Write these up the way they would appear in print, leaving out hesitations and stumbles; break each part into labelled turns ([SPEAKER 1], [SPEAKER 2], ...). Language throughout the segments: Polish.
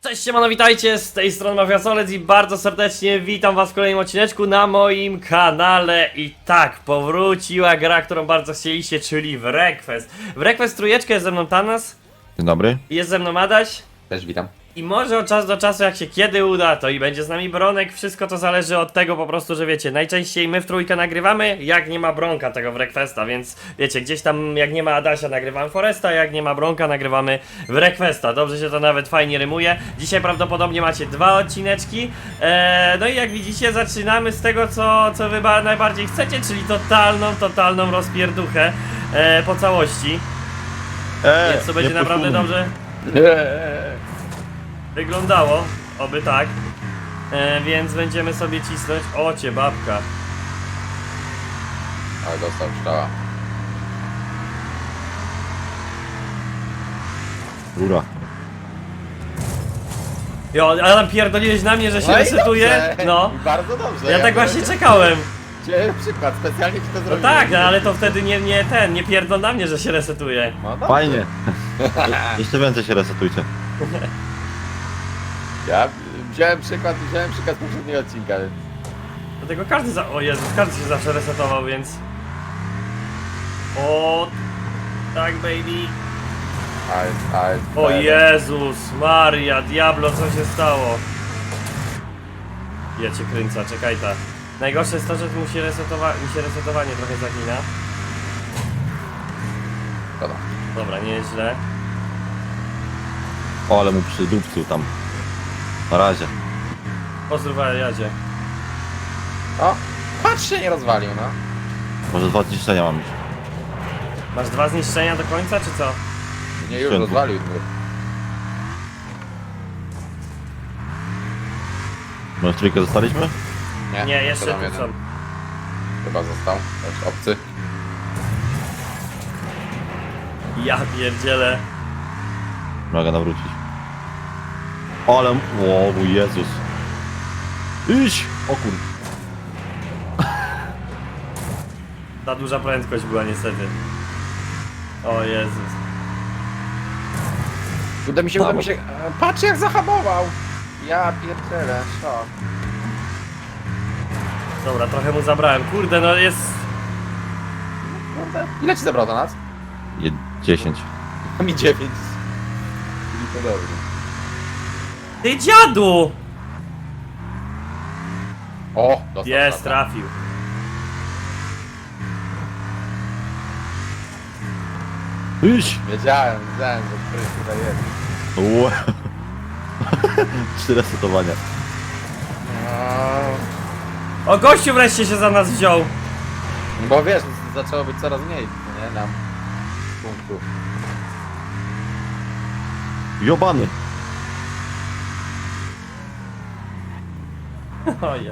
[SPEAKER 1] Cześć, siemano, witajcie, z tej strony Mafiasolec i bardzo serdecznie witam was w kolejnym odcineczku na moim kanale. I tak, powróciła gra, którą bardzo chcieliście, czyli Wreckfest. Wreckfest trójeczkę, jest ze mną Thanos,
[SPEAKER 2] Dzień dobry.
[SPEAKER 1] jest ze mną Adaś.
[SPEAKER 3] Też witam.
[SPEAKER 1] I może od czasu do czasu, jak się kiedy uda, to i będzie z nami Bronek. Wszystko to zależy od tego po prostu, że wiecie, najczęściej my w trójkę nagrywamy, jak nie ma Bronka tego Wreckfesta, więc wiecie, gdzieś tam jak nie ma Adasia nagrywamy Foresta, jak nie ma Bronka nagrywamy Wreckfesta. Dobrze się to nawet fajnie rymuje. Dzisiaj prawdopodobnie macie dwa odcineczki. No i jak widzicie, zaczynamy z tego, co wy najbardziej chcecie, czyli totalną rozpierduchę po całości. Więc to będzie naprawdę dobrze wyglądało, oby tak. Więc będziemy sobie cisnąć. O cię babka.
[SPEAKER 3] Ale dostał strzała.
[SPEAKER 2] Rura.
[SPEAKER 1] Jo, ale tam pierdoliłeś na mnie, że się
[SPEAKER 3] No i
[SPEAKER 1] resetuje.
[SPEAKER 3] dobrze.
[SPEAKER 1] No.
[SPEAKER 3] I bardzo dobrze.
[SPEAKER 1] Ja tak właśnie czekałem.
[SPEAKER 3] Przykład, specjalnie ci to
[SPEAKER 1] No
[SPEAKER 3] zrobiłem.
[SPEAKER 1] tak, no ale to wtedy nie pierdol na mnie, że się resetuje.
[SPEAKER 3] No dobrze.
[SPEAKER 2] Fajnie. Jeszcze więcej się resetujcie.
[SPEAKER 3] Ja wziąłem przykład z poprzedniego odcinka.
[SPEAKER 1] Dlatego o Jezus, każdy się zawsze resetował, więc... O, tak baby.
[SPEAKER 3] Ale.
[SPEAKER 1] O Jezus, Maria, Diablo, co się stało? Ja cię kręcę, czekaj ta. Najgorsze jest to, że mi się resetowanie trochę zagina.
[SPEAKER 3] Szkoda.
[SPEAKER 1] Dobra, nieźle.
[SPEAKER 2] O, ale mu przydupcył tam. Na razie.
[SPEAKER 1] Pozdrów Jadzie.
[SPEAKER 3] O, patrz się nie rozwalił, no.
[SPEAKER 2] Może 2 zniszczenia mam już.
[SPEAKER 1] Masz 2 zniszczenia do końca, czy co?
[SPEAKER 3] Nie, już
[SPEAKER 2] Święty.
[SPEAKER 3] rozwalił.
[SPEAKER 2] Może trójkę zostaliśmy?
[SPEAKER 1] Nie, jeszcze
[SPEAKER 3] tam
[SPEAKER 1] tu
[SPEAKER 3] jeden.
[SPEAKER 1] są.
[SPEAKER 3] Chyba został. Też obcy.
[SPEAKER 1] Ja pierdzielę.
[SPEAKER 2] Mogę nawrócić. O, ale... O, mój Jezus. Idź! O kur...
[SPEAKER 1] Ta duża prędkość była niestety. O Jezus.
[SPEAKER 3] Uda mi się. Patrz jak zahamował. Ja pierdzielę, szok.
[SPEAKER 1] Dobra, trochę mu zabrałem. Kurde, no jest...
[SPEAKER 3] Ile ci zabrał do nas?
[SPEAKER 2] 10.
[SPEAKER 3] A mi 9. Czyli to dobrze.
[SPEAKER 1] Ty dziadu!
[SPEAKER 3] O, dostał
[SPEAKER 1] Jest,
[SPEAKER 3] strzała.
[SPEAKER 1] trafił.
[SPEAKER 2] Idź!
[SPEAKER 3] Wiedziałem, że któryś tutaj jest.
[SPEAKER 2] Ue. 3 resetowania.
[SPEAKER 1] O, gościu wreszcie się za nas wziął.
[SPEAKER 3] Bo wiesz, zaczęło być coraz mniej, nie? Nam punktów.
[SPEAKER 2] Jobany.
[SPEAKER 1] O ja.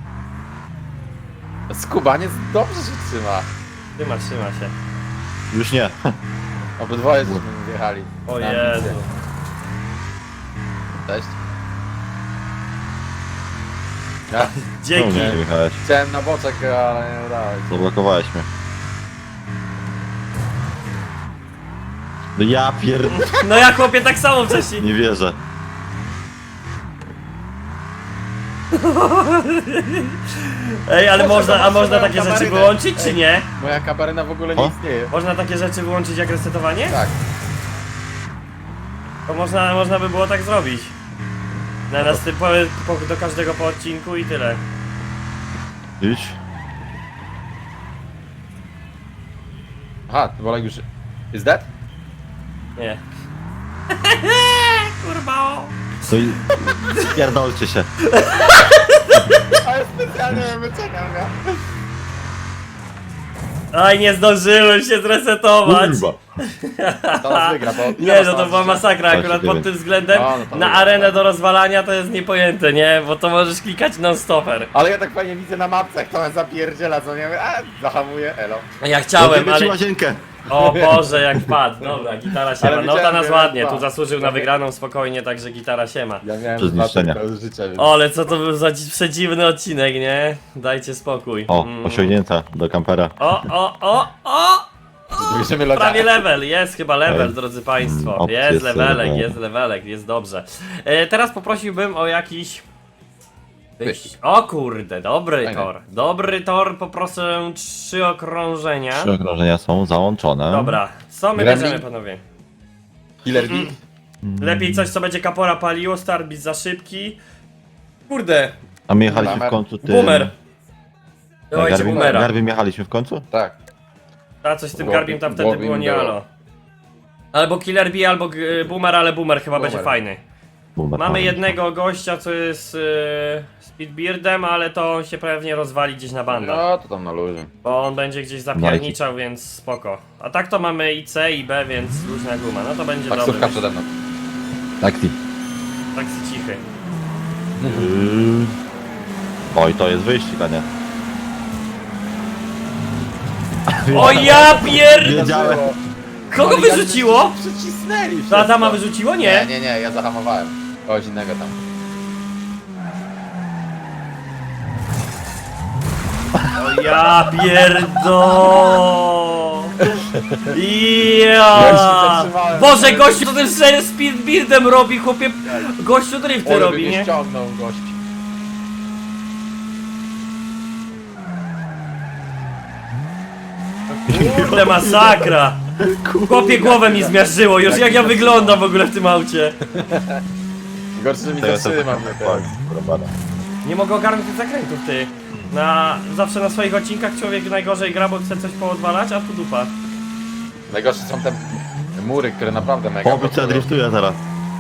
[SPEAKER 3] Skubaniec dobrze się trzyma.
[SPEAKER 1] Trzyma się.
[SPEAKER 2] Już nie.
[SPEAKER 3] Obydwoje żeśmy wjechali.
[SPEAKER 1] O
[SPEAKER 3] Na
[SPEAKER 1] Jezu.
[SPEAKER 3] ambicje. Cześć. Ja
[SPEAKER 2] No,
[SPEAKER 1] Dzięki.
[SPEAKER 2] nie jechałeś.
[SPEAKER 3] chciałem na boczek, ale nie udało się.
[SPEAKER 2] Zablokowałeś mnie. No ja
[SPEAKER 1] No ja chłopie tak samo wcześniej.
[SPEAKER 2] Nie wierzę.
[SPEAKER 1] Ej, ale
[SPEAKER 3] Może to
[SPEAKER 1] można
[SPEAKER 3] masz
[SPEAKER 1] takie
[SPEAKER 3] swoją
[SPEAKER 1] rzeczy
[SPEAKER 3] kabarynę.
[SPEAKER 1] wyłączyć, czy
[SPEAKER 3] Ej.
[SPEAKER 1] nie?
[SPEAKER 3] Moja kabaryna w ogóle nie
[SPEAKER 2] O?
[SPEAKER 3] istnieje.
[SPEAKER 1] Można takie rzeczy wyłączyć jak resetowanie?
[SPEAKER 3] Tak.
[SPEAKER 1] To można by było tak zrobić. Na nas do każdego po odcinku i tyle.
[SPEAKER 2] Idź.
[SPEAKER 3] Aha, to Bolek już... Is that?
[SPEAKER 1] Nie. Kurwa o.
[SPEAKER 2] No i... Pierdolcie się.
[SPEAKER 3] Ale specjalnie wyczekam, ja.
[SPEAKER 1] Aj, nie zdążyłem się zresetować.
[SPEAKER 2] Kurwa.
[SPEAKER 3] To nas wygra, bo...
[SPEAKER 1] Nie, no to była masakra akurat pod tym względem.
[SPEAKER 3] No, no to
[SPEAKER 1] Na
[SPEAKER 3] dobra.
[SPEAKER 1] arenę do rozwalania to jest niepojęte, nie? Bo to możesz klikać non-stopper.
[SPEAKER 3] Ale ja tak fajnie widzę na mapce, jak to zapierdziela, co nie wiem, zahamuje, elo.
[SPEAKER 1] Ja chciałem,
[SPEAKER 2] Zrobimy ci
[SPEAKER 1] ale...
[SPEAKER 2] łazienkę.
[SPEAKER 1] O Boże, jak wpadł. Dobra, gitara siema.
[SPEAKER 3] Ale
[SPEAKER 1] No ta
[SPEAKER 3] widziałem,
[SPEAKER 1] nas
[SPEAKER 3] że
[SPEAKER 1] ładnie,
[SPEAKER 3] dwa.
[SPEAKER 1] tu zasłużył na wygraną spokojnie, także gitara siema.
[SPEAKER 3] Ja miałem
[SPEAKER 2] Przez
[SPEAKER 3] 2
[SPEAKER 2] zniszczenia.
[SPEAKER 3] tylko życia, więc...
[SPEAKER 1] O, ale co to był za przedziwny odcinek, nie? Dajcie spokój.
[SPEAKER 2] O, osiągnięta do kampera.
[SPEAKER 1] O!
[SPEAKER 3] Bierzemy loda.
[SPEAKER 1] Prawie level, jest chyba level,
[SPEAKER 2] Ej.
[SPEAKER 1] drodzy państwo.
[SPEAKER 2] Opcje
[SPEAKER 1] Jest levelek,
[SPEAKER 2] serwer.
[SPEAKER 1] jest levelek, jest dobrze. Teraz poprosiłbym o jakiś...
[SPEAKER 3] Wyścig.
[SPEAKER 1] O kurde, dobry
[SPEAKER 3] Fajne.
[SPEAKER 1] tor. Dobry tor, poproszę 3 okrążenia.
[SPEAKER 2] 3 okrążenia są załączone.
[SPEAKER 1] Dobra, co my
[SPEAKER 3] Gremlin?
[SPEAKER 1] bierzemy, panowie?
[SPEAKER 3] Killer Bee.
[SPEAKER 1] Lepiej coś, co będzie kapora paliło, start bit za szybki. Kurde,
[SPEAKER 2] A my jechaliśmy
[SPEAKER 3] Boomer.
[SPEAKER 2] w końcu tym...
[SPEAKER 1] boomer. Dawajcie
[SPEAKER 2] Garbim,
[SPEAKER 1] boomera.
[SPEAKER 2] Garbim jechaliśmy w końcu?
[SPEAKER 3] Tak.
[SPEAKER 1] A coś z tym
[SPEAKER 3] Głowi-
[SPEAKER 1] garbiem tam wtedy
[SPEAKER 3] głowi
[SPEAKER 1] było
[SPEAKER 3] mi
[SPEAKER 1] nie
[SPEAKER 3] było.
[SPEAKER 1] alo. Albo Killer Bee, albo boomer, ale boomer chyba
[SPEAKER 3] Boomer.
[SPEAKER 1] będzie fajny.
[SPEAKER 2] Boomer.
[SPEAKER 1] Mamy jednego gościa, co jest Speedbeardem, ale to on się pewnie rozwali gdzieś na bandach.
[SPEAKER 3] No to tam na luzie.
[SPEAKER 1] Bo on będzie gdzieś zapierniczał, więc spoko. A tak to mamy i C, i B, więc luźna guma. No to będzie
[SPEAKER 3] Taksówka
[SPEAKER 1] dobry.
[SPEAKER 3] przede mną.
[SPEAKER 2] Taksi.
[SPEAKER 1] Taksy cichy.
[SPEAKER 2] Oj, to jest wyścig, a nie.
[SPEAKER 1] O ja pier...
[SPEAKER 2] Wiedziałem.
[SPEAKER 1] Kogo
[SPEAKER 3] Ale jak
[SPEAKER 1] wyrzuciło?
[SPEAKER 3] Przycisnęli
[SPEAKER 1] To
[SPEAKER 3] wszystko.
[SPEAKER 1] Adama wyrzuciło?
[SPEAKER 3] Nie,
[SPEAKER 1] Nie.
[SPEAKER 3] nie, nie, ja zahamowałem. Kogoś innego tam.
[SPEAKER 1] O ja pierdo.
[SPEAKER 3] Ja
[SPEAKER 1] Ja.
[SPEAKER 3] się zatrzymałem.
[SPEAKER 1] Boże, gościu to tym Speedbeardem robi, chłopie. Gościu drifty
[SPEAKER 3] Ole by
[SPEAKER 1] robi,
[SPEAKER 3] mnie
[SPEAKER 1] nie?
[SPEAKER 3] ściągnął gości.
[SPEAKER 1] Kurde, masakra. Chłopie, głowę mi zmiażdżyło już, jak ja wyglądam w ogóle w tym aucie.
[SPEAKER 3] Gorszy, że mi
[SPEAKER 2] To jest
[SPEAKER 3] zatrzymam.
[SPEAKER 1] Nie mogę ogarnąć tych zakrętów, ty. Zawsze na swoich odcinkach człowiek najgorzej gra, bo chce coś poodwalać, a tu dupa.
[SPEAKER 3] Najgorsze są te mury, które naprawdę mega...
[SPEAKER 2] Pobicie driftuje teraz.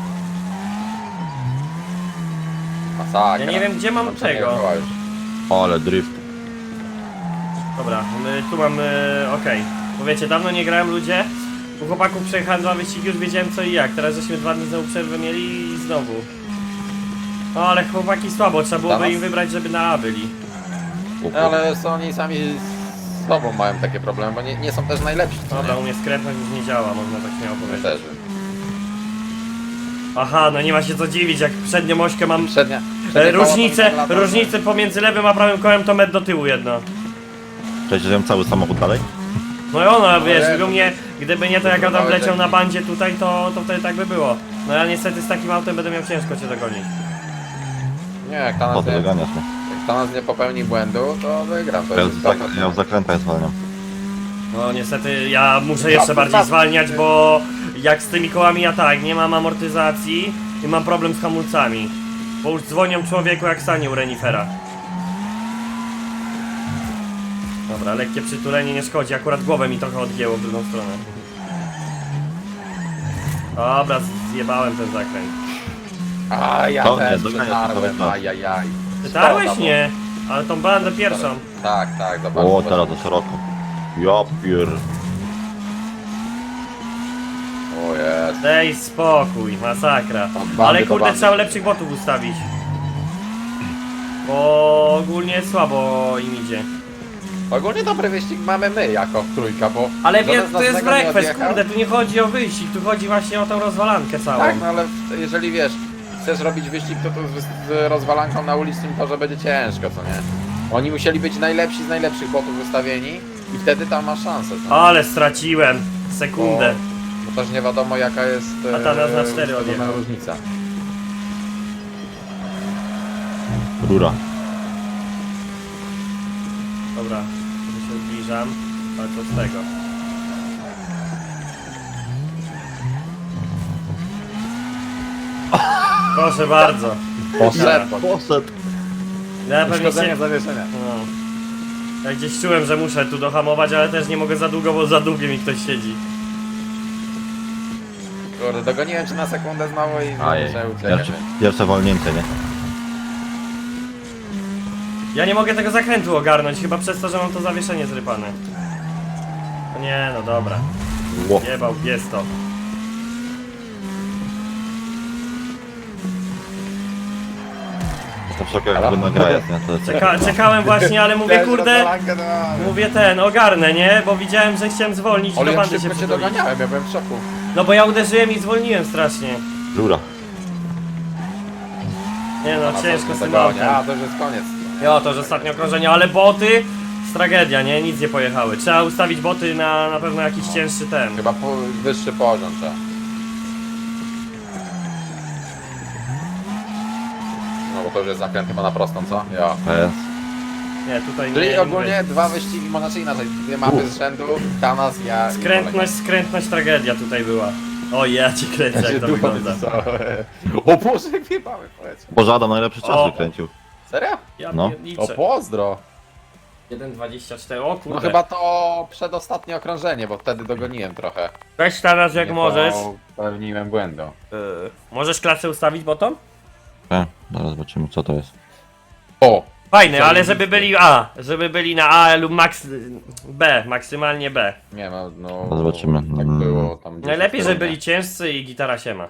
[SPEAKER 3] Masakra.
[SPEAKER 1] Ja nie wiem, gdzie mam
[SPEAKER 3] Tam
[SPEAKER 1] tego.
[SPEAKER 3] przejechała już.
[SPEAKER 2] Ale drift.
[SPEAKER 1] Dobra, tu mamy, okej. Bo wiecie, dawno nie grałem, ludzie. U chłopaków przejechałem 2 wyścigi, już wiedziałem co i jak. Teraz żeśmy 2 dni znowu przerwę mieli i znowu. No ale chłopaki słabo, trzeba byłoby
[SPEAKER 3] Teraz?
[SPEAKER 1] im wybrać, żeby na A byli.
[SPEAKER 3] No, ale są oni sami z sobą mają takie problemy, bo nie są też najlepsi. co
[SPEAKER 1] Dobra,
[SPEAKER 3] nie?
[SPEAKER 1] u mnie skrętność już nie działa, można tak śmiało
[SPEAKER 3] My
[SPEAKER 1] powiedzieć.
[SPEAKER 3] też.
[SPEAKER 1] Aha, no nie ma się co dziwić, jak przednią ośkę mam...
[SPEAKER 3] Przednie koło
[SPEAKER 1] Różnicę,
[SPEAKER 3] to lata,
[SPEAKER 1] różnicę pomiędzy lewym a prawym kołem to metr do tyłu jedno.
[SPEAKER 2] Przejdziemy cały samochód dalej?
[SPEAKER 1] No i ono, wiesz,
[SPEAKER 3] nie,
[SPEAKER 1] gdyby nie to jak Adam
[SPEAKER 3] Wybrałeś
[SPEAKER 1] leciał na
[SPEAKER 3] taki-
[SPEAKER 1] bandzie tutaj, to wtedy tak by było. No ja niestety z takim autem będę miał ciężko cię dogonić.
[SPEAKER 3] Nie, jak
[SPEAKER 2] Po
[SPEAKER 3] Thanos
[SPEAKER 2] to
[SPEAKER 3] nie,
[SPEAKER 2] doganiasz mnie.
[SPEAKER 3] jak Thanos nie popełni błędu, to wygram. To
[SPEAKER 2] Ja
[SPEAKER 3] jest
[SPEAKER 2] ja w zakrętach zwalniam.
[SPEAKER 1] No niestety ja muszę jeszcze bardziej zwalniać, bo jak z tymi kołami ja tak, nie mam amortyzacji i mam problem z hamulcami. Bo już dzwonią człowieku jak sanie u renifera. Dobra, lekkie przytulenie nie szkodzi, akurat głowę mi trochę odgięło w drugą stronę. Dobra, zjebałem ten zakręt.
[SPEAKER 3] A ja
[SPEAKER 2] To nie,
[SPEAKER 3] też
[SPEAKER 2] doganiasz,
[SPEAKER 3] przetarłem,
[SPEAKER 2] to
[SPEAKER 3] ajajaj.
[SPEAKER 1] Czytałeś?
[SPEAKER 3] Szkoda, bo-
[SPEAKER 1] Nie, ale tą bandę pierwszą.
[SPEAKER 3] Tak, tak, zobacz.
[SPEAKER 2] O,
[SPEAKER 3] zobacz.
[SPEAKER 2] teraz to szeroko. Ja pier...
[SPEAKER 3] O jest.
[SPEAKER 1] Daj spokój, masakra.
[SPEAKER 3] bandy
[SPEAKER 1] Ale
[SPEAKER 3] to
[SPEAKER 1] kurde,
[SPEAKER 3] bandy.
[SPEAKER 1] trzeba lepszych botów ustawić. Bo ogólnie słabo im idzie.
[SPEAKER 3] Ogólnie dobry wyścig mamy my jako trójka, bo...
[SPEAKER 1] Ale
[SPEAKER 3] żaden
[SPEAKER 1] wie,
[SPEAKER 3] z
[SPEAKER 1] to
[SPEAKER 3] nas
[SPEAKER 1] jest
[SPEAKER 3] tego nie
[SPEAKER 1] breakfast,
[SPEAKER 3] odjechał.
[SPEAKER 1] kurde, tu nie chodzi o wyścig, tu chodzi właśnie o tą rozwalankę całą.
[SPEAKER 3] Tak, no ale jeżeli wiesz, chcesz robić wyścig, to z rozwalanką na ulicznym torze będzie ciężko, co nie? Oni musieli być najlepsi z najlepszych botów wystawieni i wtedy tam masz szansę. co nie?
[SPEAKER 1] Ale straciłem sekundę.
[SPEAKER 3] Bo też nie wiadomo jaka jest
[SPEAKER 1] A ta nas na 4
[SPEAKER 3] ustawiona
[SPEAKER 1] odjechał.
[SPEAKER 3] różnica.
[SPEAKER 2] Rura.
[SPEAKER 1] Dobra, tu się zbliżam, ale co z tego? Proszę bardzo.
[SPEAKER 3] Poszedł.
[SPEAKER 2] Poszedł.
[SPEAKER 1] Ja pewnie
[SPEAKER 3] Uszkodzenie
[SPEAKER 1] się...
[SPEAKER 3] zawieszenia.
[SPEAKER 1] No. Ja gdzieś czułem, że muszę tu dohamować, ale też nie mogę za długo, bo za długo mi ktoś siedzi.
[SPEAKER 3] Kurde, dogoniłem cię na sekundę znowu i
[SPEAKER 2] Ajej.
[SPEAKER 3] muszę uciekać.
[SPEAKER 2] Pierwsze wolnięcie, nie?
[SPEAKER 1] Ja nie mogę tego zakrętu ogarnąć, chyba przez to, że mam to zawieszenie zrypane. No nie, no dobra.
[SPEAKER 2] Ło.
[SPEAKER 1] Jebał, jest to.
[SPEAKER 2] To wszelkie jakby nagra jest, nie? To jest...
[SPEAKER 1] Czekałem właśnie, ale mówię,
[SPEAKER 3] Też
[SPEAKER 1] kurde,
[SPEAKER 3] rozwalankę dałem.
[SPEAKER 1] mówię ogarnę, nie? Bo widziałem, że chciałem zwolnić i
[SPEAKER 3] Ale
[SPEAKER 1] do
[SPEAKER 3] jak
[SPEAKER 1] bandy się
[SPEAKER 3] szybko cię
[SPEAKER 1] przytulić.
[SPEAKER 3] doganiałem, ja byłem w szoku.
[SPEAKER 1] No bo ja uderzyłem i zwolniłem strasznie.
[SPEAKER 2] Rura.
[SPEAKER 1] Nie no,
[SPEAKER 3] A
[SPEAKER 1] ciężko
[SPEAKER 3] co
[SPEAKER 1] z tym
[SPEAKER 3] dogania? A,
[SPEAKER 1] autem.
[SPEAKER 3] to już jest koniec.
[SPEAKER 1] Jo, to już ostatnie okrążenie, ale boty tragedia, nie? Nic nie pojechały. Trzeba ustawić boty na pewno jakiś cięższy ten.
[SPEAKER 3] Chyba wyższy poziom trzeba. No bo to już jest zakręt chyba na prostą, co? Ja.
[SPEAKER 2] PS.
[SPEAKER 1] Nie, tutaj
[SPEAKER 3] Czyli
[SPEAKER 1] nie.
[SPEAKER 3] ogólnie dwa wyścigi, znaczy inaczej, dwie mapy z rzędu, Tanas, ja
[SPEAKER 1] Skrętność, tragedia tutaj była. O, ja cię kręcę, jak to wygląda.
[SPEAKER 3] O Boże, jak wjebały, powiedz.
[SPEAKER 2] Boże, Adam najlepszy czas
[SPEAKER 1] O.
[SPEAKER 2] wykręcił.
[SPEAKER 3] Serio?
[SPEAKER 1] Ja
[SPEAKER 2] No.
[SPEAKER 3] O
[SPEAKER 1] pierniczę.
[SPEAKER 3] pozdro.
[SPEAKER 1] 1,24, o kurde.
[SPEAKER 3] No chyba to przedostatnie okrążenie, bo wtedy dogoniłem trochę.
[SPEAKER 1] Weź teraz jak
[SPEAKER 3] Nie
[SPEAKER 1] możesz.
[SPEAKER 3] Popełniłem błędu.
[SPEAKER 1] Możesz klasę ustawić bottom?
[SPEAKER 2] Zaraz zobaczymy co to jest.
[SPEAKER 3] O!
[SPEAKER 1] Fajne,
[SPEAKER 3] Co,
[SPEAKER 1] ale
[SPEAKER 3] nie
[SPEAKER 1] żeby byli na A lub max B, maksymalnie B.
[SPEAKER 3] Nie ma, no...
[SPEAKER 2] Zobaczymy.
[SPEAKER 3] Tak było tam gdzieś
[SPEAKER 1] Najlepiej,
[SPEAKER 3] w
[SPEAKER 1] żeby
[SPEAKER 3] stronie.
[SPEAKER 1] byli ciężcy i gitara siema.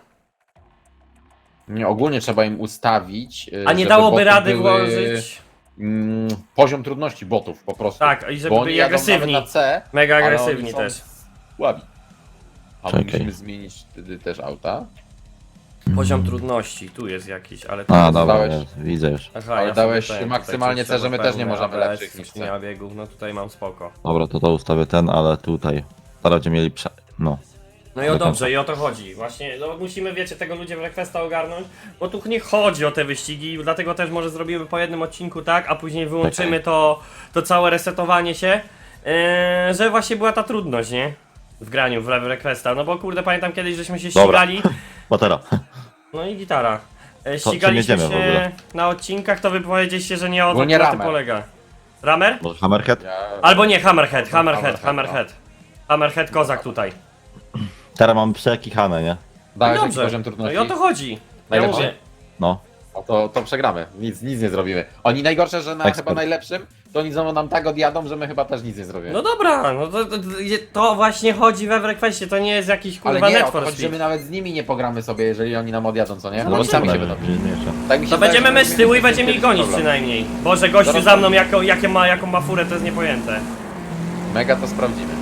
[SPEAKER 3] Nie, ogólnie trzeba im ustawić,
[SPEAKER 1] A nie
[SPEAKER 3] żeby
[SPEAKER 1] dałoby
[SPEAKER 3] boty
[SPEAKER 1] rady
[SPEAKER 3] były,
[SPEAKER 1] włożyć.
[SPEAKER 3] Poziom trudności botów po prostu.
[SPEAKER 1] Tak, i żeby
[SPEAKER 3] Bo oni
[SPEAKER 1] byli
[SPEAKER 3] jadą
[SPEAKER 1] agresywni.
[SPEAKER 3] nawet na C,
[SPEAKER 1] Mega
[SPEAKER 3] ale
[SPEAKER 1] agresywni
[SPEAKER 3] oni są
[SPEAKER 1] też.
[SPEAKER 3] Słabi. A
[SPEAKER 2] Czekaj.
[SPEAKER 3] musimy zmienić wtedy też auta.
[SPEAKER 1] Poziom trudności, tu jest jakiś, ale
[SPEAKER 2] A,
[SPEAKER 1] to
[SPEAKER 2] dobra,
[SPEAKER 3] dałeś-
[SPEAKER 2] jest, widzę już.
[SPEAKER 1] Aha,
[SPEAKER 3] ale
[SPEAKER 1] ja
[SPEAKER 3] dałeś
[SPEAKER 1] sobie ten,
[SPEAKER 3] maksymalnie
[SPEAKER 1] tutaj
[SPEAKER 3] C, że my
[SPEAKER 1] trzeba
[SPEAKER 3] też nie
[SPEAKER 1] pełne
[SPEAKER 3] możemy
[SPEAKER 1] ABS,
[SPEAKER 3] lepszych niż C.
[SPEAKER 1] skrzynia biegów, no tutaj mam spoko.
[SPEAKER 2] Dobra, to ustawię ten, ale tutaj. Teraz będziemy mieli no.
[SPEAKER 1] No i o dobrze, i o to chodzi. Właśnie, no musimy, wiecie, tego ludzie w Requesta ogarnąć, bo tu nie chodzi o te wyścigi, dlatego też może zrobimy po jednym odcinku tak, a później wyłączymy to całe resetowanie się, że właśnie była ta trudność, nie? W graniu w Requesta, no bo kurde, pamiętam kiedyś, żeśmy się
[SPEAKER 2] Dobra.
[SPEAKER 1] ścigali,
[SPEAKER 2] Batera.
[SPEAKER 1] no i gitara.
[SPEAKER 2] czym
[SPEAKER 1] Ścigaliśmy
[SPEAKER 2] jedziemy w ogóle?
[SPEAKER 1] się na odcinkach, to wy powiedzieliście, że nie o to
[SPEAKER 3] Ogólnie
[SPEAKER 1] na tym
[SPEAKER 3] Ramer.
[SPEAKER 1] polega. Ramer?
[SPEAKER 2] Może Hammerhead?
[SPEAKER 3] Ja...
[SPEAKER 1] Albo nie, Hammerhead.
[SPEAKER 3] Hammerhead,
[SPEAKER 1] Hammerhead kozak tutaj.
[SPEAKER 2] Teraz mam przekichane, nie?
[SPEAKER 3] Dałeś jaki
[SPEAKER 1] Dobrze,
[SPEAKER 3] poziom
[SPEAKER 1] no
[SPEAKER 3] trudności?
[SPEAKER 1] i o to chodzi. Ja
[SPEAKER 3] Najlepszy?
[SPEAKER 1] mówię,
[SPEAKER 2] No.
[SPEAKER 3] No to przegramy. Nic nie zrobimy. Oni najgorsze, że na
[SPEAKER 2] Ekspert.
[SPEAKER 3] chyba najlepszym, to oni znowu nam tak odjadą, że my chyba też nic nie zrobimy.
[SPEAKER 1] no dobra, no to właśnie chodzi we Requestie, to nie jest jakiś
[SPEAKER 3] ale
[SPEAKER 1] kurwa
[SPEAKER 3] nie,
[SPEAKER 1] Need
[SPEAKER 3] o to
[SPEAKER 1] for
[SPEAKER 3] chodzi, że my
[SPEAKER 1] Speed.
[SPEAKER 3] nawet z nimi nie pogramy sobie, jeżeli oni nam odjadą, co nie?
[SPEAKER 1] No
[SPEAKER 3] No oni sami się
[SPEAKER 2] Zobaczymy,
[SPEAKER 3] będą.
[SPEAKER 2] będzie mniejsze.
[SPEAKER 3] Tak mi się
[SPEAKER 1] To
[SPEAKER 3] wydaje,
[SPEAKER 1] będziemy
[SPEAKER 3] że
[SPEAKER 1] my z tyłu i będziemy ich
[SPEAKER 3] mieli
[SPEAKER 1] gonić
[SPEAKER 3] problem.
[SPEAKER 1] przynajmniej. Boże, gościu
[SPEAKER 3] Zaraz
[SPEAKER 1] za mną
[SPEAKER 3] tam-
[SPEAKER 1] jaką ma furę, to jest niepojęte.
[SPEAKER 3] Mega to sprawdzimy.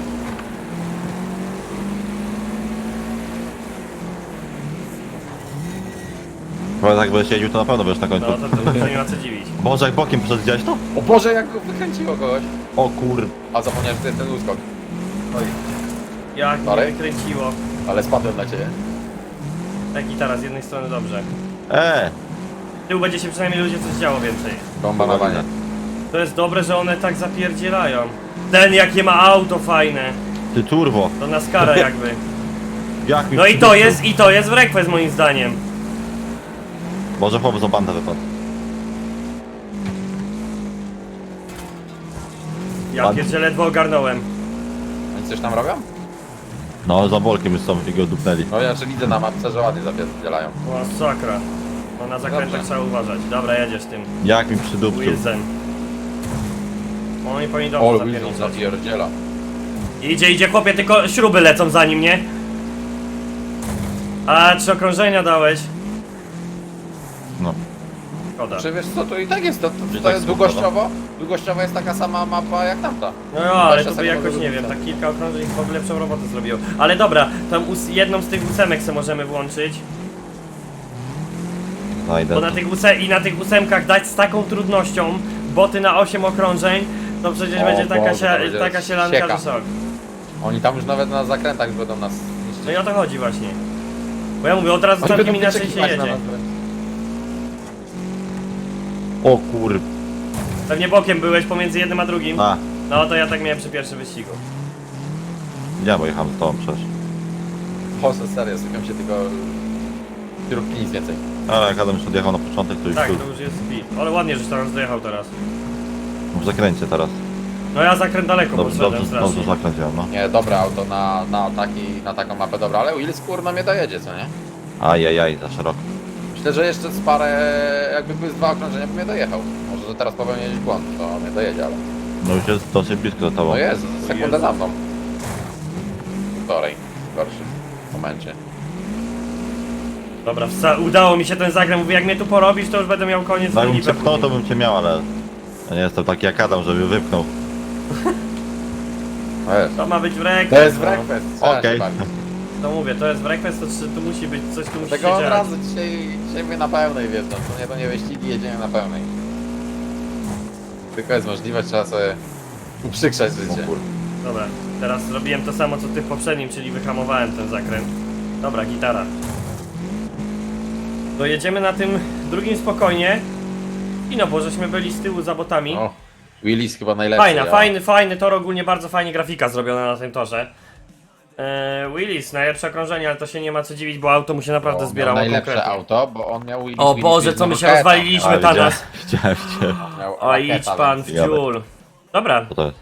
[SPEAKER 2] Bo jak będziesz jeździł, to na pewno będziesz na końcu.
[SPEAKER 1] No to nie ma co dziwić.
[SPEAKER 2] Boże, jak bokiem przed widziałeś to?
[SPEAKER 3] O Boże, jak go wykręciło kogoś.
[SPEAKER 2] O kur...
[SPEAKER 3] A zapomniałem, że to jest ten uskok.
[SPEAKER 1] Oj. Jak mnie
[SPEAKER 3] Sorry?
[SPEAKER 1] wykręciło.
[SPEAKER 3] Ale spadłem na ciebie.
[SPEAKER 1] Tak gitara, z jednej strony dobrze. Z tyłu będzie się przynajmniej ludzie coś działo więcej.
[SPEAKER 3] Bomba na wanie.
[SPEAKER 1] To jest dobre, że one tak zapierdzielają. Ten jakie ma auto fajne.
[SPEAKER 2] Ty turbo.
[SPEAKER 1] To NASCARa jakby.
[SPEAKER 2] Jak mi
[SPEAKER 1] No i
[SPEAKER 2] przywrócił?
[SPEAKER 1] to jest w Request moim zdaniem.
[SPEAKER 2] Boże, chłop za bandę wypadł.
[SPEAKER 1] Ja
[SPEAKER 2] Ładnie.
[SPEAKER 1] pierdzie ledwo ogarnąłem.
[SPEAKER 3] Oni coś tam robią?
[SPEAKER 2] No, za bolkiem już są i go dupnęli.
[SPEAKER 3] No ja czy widzę na mapce, że ładnie zapierdzielają.
[SPEAKER 1] Masakra. No na zakrętach
[SPEAKER 3] Dobrze.
[SPEAKER 1] trzeba uważać. Dobra, jedziesz tym
[SPEAKER 2] Jak mi przydupczył.
[SPEAKER 1] Wilson. Oni powinni
[SPEAKER 3] O,
[SPEAKER 1] dobrze
[SPEAKER 3] Wilson
[SPEAKER 1] zapierniczać.
[SPEAKER 3] zapierdziela.
[SPEAKER 1] Idzie chłopie, tylko śruby lecą za nim, nie? A 3 okrążenia dałeś?
[SPEAKER 2] No.
[SPEAKER 1] Szkoda.
[SPEAKER 3] Czy wiesz co, to i tak jest, to
[SPEAKER 2] tak
[SPEAKER 3] jest długościowo jest taka sama mapa jak tamta.
[SPEAKER 1] No jo, ale
[SPEAKER 3] 20
[SPEAKER 1] to by
[SPEAKER 3] sekund
[SPEAKER 1] jakoś,
[SPEAKER 3] do
[SPEAKER 1] nie wiem,
[SPEAKER 3] końca.
[SPEAKER 1] tak kilka okrążeń w ogóle lepszą robotę zrobiło. Ale dobra, tam jedną z tych ósemek se możemy włączyć.
[SPEAKER 2] Znajdę.
[SPEAKER 1] Bo na tych ósemkach dać z taką trudnością boty na 8 okrążeń, to przecież
[SPEAKER 3] O
[SPEAKER 1] będzie
[SPEAKER 3] Boże, to będzie
[SPEAKER 1] taka sielanka,
[SPEAKER 3] sieka.
[SPEAKER 1] że szok.
[SPEAKER 3] Oni tam już nawet na zakrętach będą nas niszczyć.
[SPEAKER 1] No i o to chodzi właśnie. Bo ja mówię, od razu
[SPEAKER 3] Oni
[SPEAKER 1] całkiem
[SPEAKER 3] będą
[SPEAKER 1] inaczej się
[SPEAKER 3] wyczekiwać na
[SPEAKER 1] jedzie.
[SPEAKER 3] nas wręcz.
[SPEAKER 2] O kur...
[SPEAKER 1] Pewnie bokiem byłeś pomiędzy jednym a drugim.
[SPEAKER 2] A,
[SPEAKER 1] No to ja tak miałem przy pierwszym wyścigu.
[SPEAKER 2] ja bo jechałem z tobą przecież.
[SPEAKER 3] Boże, serio, sypią się tylko kierówki, nic więcej.
[SPEAKER 2] Ale jak Adam już odjechał na początek, to już
[SPEAKER 1] Tak,
[SPEAKER 2] tu.
[SPEAKER 1] to już jest speed. Ale ładnie, że tam dojechał teraz.
[SPEAKER 2] W zakręcie teraz.
[SPEAKER 1] No ja zakręt daleko
[SPEAKER 2] Dobrze,
[SPEAKER 1] poszedłem
[SPEAKER 2] dobrze,
[SPEAKER 1] strasznie.
[SPEAKER 2] dobrze zakręciłem, no.
[SPEAKER 3] Nie, dobre auto na taką mapę, dobra, ale Wills kurno mnie dojedzie, co nie?
[SPEAKER 2] Ajajaj, za szeroko.
[SPEAKER 3] Myślę, że jeszcze z parę, jakby były z 2 okrążenia, by mnie dojechał. Może, że teraz popełnię jakiś błąd, to mnie dojedzie, ale...
[SPEAKER 2] No już jest dosyć blisko za tobą.
[SPEAKER 3] No jest, sekundę
[SPEAKER 1] Jezu.
[SPEAKER 3] za mną. Półtorej, w gorszym momencie.
[SPEAKER 1] Dobra, udało mi się ten zakręt. Mówię, jak mnie tu porobisz, to już będę miał koniec
[SPEAKER 2] No jakbym
[SPEAKER 1] linii
[SPEAKER 2] cię pchnął, to
[SPEAKER 1] później.
[SPEAKER 2] bym cię miał, ale... Ja nie jestem taki jak Adam, żeby wypchnął.
[SPEAKER 3] No jest.
[SPEAKER 1] To ma być w Request.
[SPEAKER 3] To jest w
[SPEAKER 1] no.
[SPEAKER 3] Request,
[SPEAKER 2] Okej.
[SPEAKER 1] To mówię, to jest w Request, to tu musi być, coś tu musi się
[SPEAKER 3] Tego od
[SPEAKER 1] dziać.
[SPEAKER 3] razu dzisiaj mnie na pełnej wjeżdżam, to nie wyścigi, jedziemy na pełnej. Tylko jest możliwość, trzeba sobie Uprzykrzać
[SPEAKER 2] O
[SPEAKER 3] życie.
[SPEAKER 2] kurde.
[SPEAKER 1] Dobra, teraz zrobiłem to samo co ty w poprzednim, czyli wyhamowałem ten zakręt. Dobra, gitara. Dojedziemy na tym drugim spokojnie. I no, bo żeśmy byli z tyłu za botami.
[SPEAKER 3] O, Willis chyba najlepszy.
[SPEAKER 1] Fajna,
[SPEAKER 3] ja.
[SPEAKER 1] fajny tor, ogólnie bardzo fajnie grafika zrobiona na tym torze. Willis, najlepsze okrążenie, ale to się nie ma co dziwić, bo auto mu się naprawdę
[SPEAKER 3] Miał
[SPEAKER 1] zbierało
[SPEAKER 3] najlepsze
[SPEAKER 1] konkretnie.
[SPEAKER 3] auto, bo on miał Willis.
[SPEAKER 1] O
[SPEAKER 3] Willis,
[SPEAKER 1] Boże,
[SPEAKER 3] Willis
[SPEAKER 1] co my
[SPEAKER 3] miał
[SPEAKER 1] się
[SPEAKER 3] raketa.
[SPEAKER 1] rozwaliliśmy,
[SPEAKER 2] A,
[SPEAKER 1] Tanas.
[SPEAKER 2] widziałem cię.
[SPEAKER 3] Miał
[SPEAKER 1] O,
[SPEAKER 3] raketa,
[SPEAKER 1] idź pan w
[SPEAKER 3] więc-
[SPEAKER 1] dziul. Dobra,
[SPEAKER 2] Co to jest?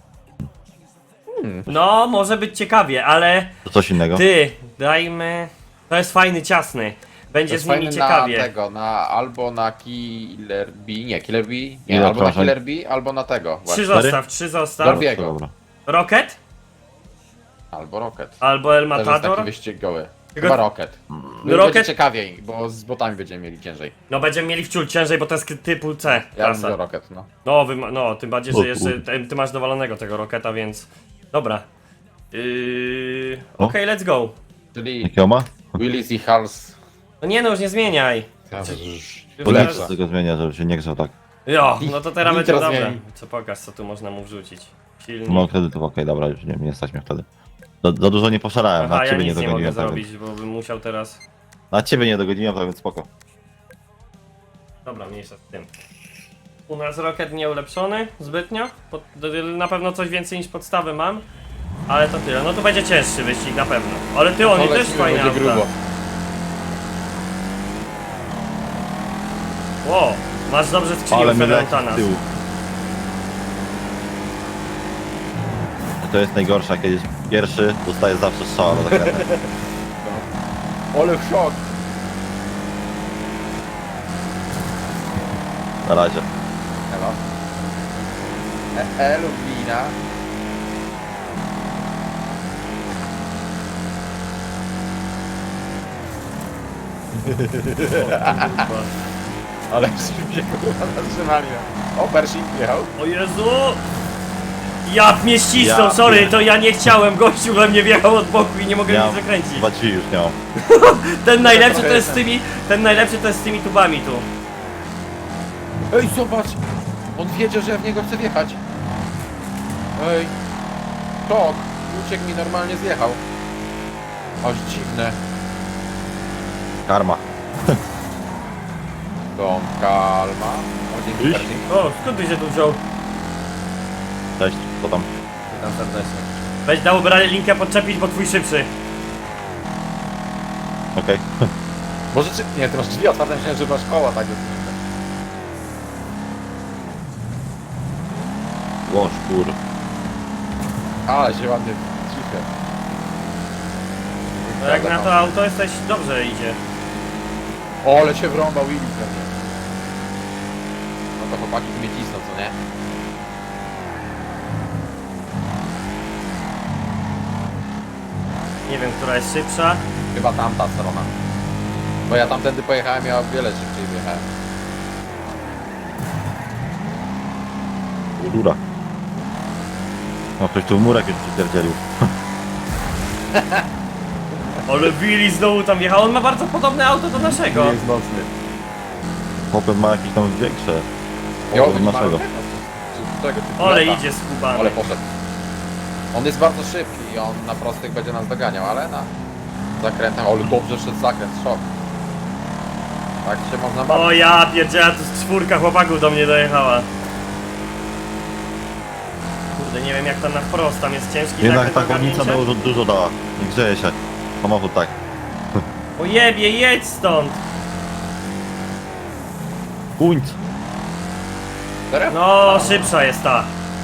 [SPEAKER 1] no może być ciekawie, ale
[SPEAKER 2] To coś innego?
[SPEAKER 1] ty, dajmy... To jest fajny, ciasny.
[SPEAKER 3] To
[SPEAKER 1] Będzie
[SPEAKER 3] jest
[SPEAKER 1] z nimi
[SPEAKER 3] fajny
[SPEAKER 1] ciekawie.
[SPEAKER 3] na tego, albo na Killer B, nie, Killer B, nie,
[SPEAKER 2] Ile
[SPEAKER 3] albo na
[SPEAKER 2] okrążeń?
[SPEAKER 3] Killer B, albo na tego,
[SPEAKER 1] Trzy
[SPEAKER 3] właśnie.
[SPEAKER 1] trzy zostaw.
[SPEAKER 3] Dorbiego.
[SPEAKER 2] Dobra.
[SPEAKER 1] Rocket?
[SPEAKER 3] Albo Rocket.
[SPEAKER 1] Albo El
[SPEAKER 3] Też jest taki
[SPEAKER 1] Matador?
[SPEAKER 3] wyścigowy.
[SPEAKER 1] Tylko-
[SPEAKER 3] Chyba Rocket. No
[SPEAKER 1] Rocket-
[SPEAKER 3] będzie ciekawiej, bo z botami będziemy mieli ciężej.
[SPEAKER 1] No będziemy mieli wciul ciężej, bo to jest typu C
[SPEAKER 3] Ja
[SPEAKER 1] klasa.
[SPEAKER 3] mówię Rocket, no.
[SPEAKER 1] No, no, tym bardziej, że
[SPEAKER 2] O
[SPEAKER 1] jeszcze
[SPEAKER 2] kurde.
[SPEAKER 1] ty masz dowalonego tego Rocketa, więc... Dobra.
[SPEAKER 2] O.
[SPEAKER 1] Okej, let's go.
[SPEAKER 3] Czyli
[SPEAKER 2] Jakiego ma?
[SPEAKER 3] Willis i Hals.
[SPEAKER 1] No nie no, już nie zmieniaj.
[SPEAKER 2] Bo
[SPEAKER 1] Teraz-
[SPEAKER 2] nic z tego zmienia, żeby się nie grzał tak.
[SPEAKER 1] Jo, no to teraz będzie
[SPEAKER 3] Nitro
[SPEAKER 1] dobre.
[SPEAKER 3] zmieni.
[SPEAKER 1] Co pokaż, co tu można mu wrzucić. Silnik.
[SPEAKER 2] Mam kredytów, okej, dobra, już nie stać mnie wtedy. Za dużo nie poszalałem,
[SPEAKER 1] Aha,
[SPEAKER 2] na
[SPEAKER 1] ja
[SPEAKER 2] ciebie nie
[SPEAKER 1] nic nie mogę
[SPEAKER 2] dogoniłem. Tak,
[SPEAKER 1] zrobić, bo bym musiał teraz...
[SPEAKER 2] na ciebie nie dogoniłem, tak więc spoko.
[SPEAKER 1] Dobra, mniejsza z tym. U nas Rocket nie ulepszony zbytnio. Na pewno coś więcej niż podstawy mam. Ale to tyle. No to będzie cięższy wyścig na pewno. Ale ty, oni też fajne
[SPEAKER 3] będzie
[SPEAKER 1] auta.
[SPEAKER 3] grubo.
[SPEAKER 1] Ło, masz dobrze skrzynię
[SPEAKER 2] Ale my leci
[SPEAKER 1] Ferrantana.
[SPEAKER 2] z tyłu. To jest najgorsze, jak jedziesz pierwszy, dostajesz zawsze strzała do zakrętu.
[SPEAKER 3] Ole szok.
[SPEAKER 2] Na razie.
[SPEAKER 3] Elo. Lublina. Ale się kurwa zatrzymali. O, Pershing jechał.
[SPEAKER 1] O Jezu! Ja mnie ścisnął,
[SPEAKER 2] Ja
[SPEAKER 1] sorry,
[SPEAKER 2] pier-
[SPEAKER 1] to ja nie chciałem, gościu we mnie wjechał od boku i nie mogę nic zakręcić.
[SPEAKER 2] Chyba drzwi już nie mam.
[SPEAKER 1] Ten najlepszy to jest z tymi, tubami tu.
[SPEAKER 3] Ej, zobacz! On wiedział, że ja w niego chcę wjechać. Ej. Tok. Uciekł mi, normalnie zjechał. Aż dziwne.
[SPEAKER 2] Karma.
[SPEAKER 3] Dom Kalma. O, dzięki
[SPEAKER 2] Iść.
[SPEAKER 3] Pershing.
[SPEAKER 1] O, skąd ty się tu wziął?
[SPEAKER 2] Cześć, co tam?
[SPEAKER 3] Witam serdecznie.
[SPEAKER 1] Weź dałoby radę linkę podczepić, bo twój szybszy.
[SPEAKER 2] Okej.
[SPEAKER 3] Może czy... Nie, ty masz drzwi otwarte, myślałem, że masz koła tak.
[SPEAKER 2] Łoż, kur.
[SPEAKER 3] Ale się ładnie cicho.
[SPEAKER 1] No jak na to auto jesteś, dobrze idzie.
[SPEAKER 3] O, ale się wrąbał Willy pewnie. No to chłopaki tu mnie cisną, co nie?
[SPEAKER 1] Nie wiem, która jest szybsza.
[SPEAKER 3] Chyba tamta strona. Bo ja tamtędy pojechałem, ja o wiele szybciej wjechałem.
[SPEAKER 2] Rura. No ktoś tu w murek już przypierdzielił.
[SPEAKER 1] Ale Willy znowu tam wjechał, on ma bardzo podobne auto do naszego.
[SPEAKER 3] jest mocny.
[SPEAKER 2] Popet ma jakieś tam większe.
[SPEAKER 3] Ja
[SPEAKER 2] Od naszego.
[SPEAKER 3] Czego ty
[SPEAKER 1] Ale
[SPEAKER 3] lata?
[SPEAKER 1] idzie skubany.
[SPEAKER 3] Ale poszedł. On jest bardzo szybki i on na prostych będzie nas doganiał, ale na zakrętem, ale dobrze szedł zakręt, szok. Tak się można bawić.
[SPEAKER 1] O ja pierdziela, tu z czwórka chłopaków do mnie dojechała. Kurde, nie wiem jak tam na wprost, tam jest ciężki
[SPEAKER 2] Jednak
[SPEAKER 1] zakręt
[SPEAKER 2] ta
[SPEAKER 1] na
[SPEAKER 2] chłodnica
[SPEAKER 1] ogarnięcie.
[SPEAKER 2] dużo dała. Nie grzeje się. Samochód tak.
[SPEAKER 1] O jebie, jedź stąd!
[SPEAKER 2] Kuńc.
[SPEAKER 3] Serio?
[SPEAKER 1] No, szybsza jest ta.